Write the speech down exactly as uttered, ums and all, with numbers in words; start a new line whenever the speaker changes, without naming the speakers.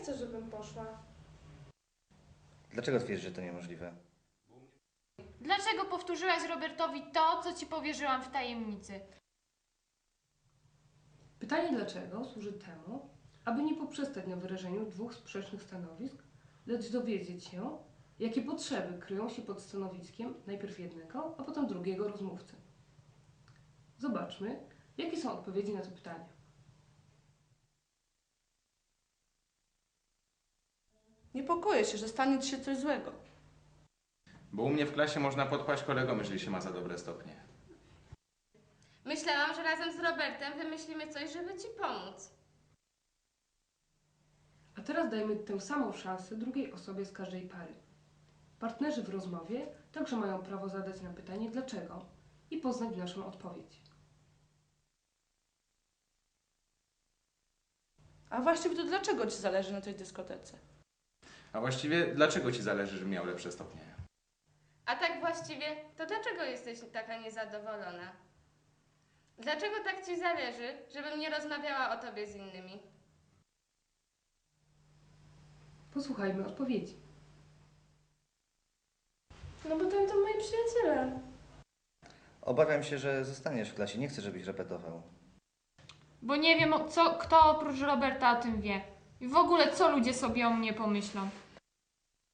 chce, żebym poszła.
Dlaczego twierdzisz, że to niemożliwe?
Dlaczego powtórzyłaś Robertowi to, co ci powierzyłam w tajemnicy?
Pytanie dlaczego służy temu, aby nie poprzestać na wyrażeniu dwóch sprzecznych stanowisk, lecz dowiedzieć się, jakie potrzeby kryją się pod stanowiskiem najpierw jednego, a potem drugiego rozmówcy. Zobaczmy, jakie są odpowiedzi na to pytanie.
Niepokoję się, że stanie ci się coś złego.
Bo u mnie w klasie można podpaść kolegom, jeżeli się ma za dobre stopnie.
Myślałam, że razem z Robertem wymyślimy coś, żeby ci pomóc.
A teraz dajmy tę samą szansę drugiej osobie z każdej pary. Partnerzy w rozmowie także mają prawo zadać nam pytanie dlaczego i poznać naszą odpowiedź.
A właściwie to dlaczego ci zależy na tej dyskotece?
A właściwie, dlaczego ci zależy, żebym miał lepsze stopnie?
A tak właściwie, to dlaczego jesteś taka niezadowolona? Dlaczego tak ci zależy, żebym nie rozmawiała o tobie z innymi?
Posłuchajmy odpowiedzi.
No bo tam to moi przyjaciele.
Obawiam się, że zostaniesz w klasie. Nie chcę, żebyś repetował.
Bo nie wiem, co, kto oprócz Roberta o tym wie. I w ogóle, co ludzie sobie o mnie pomyślą.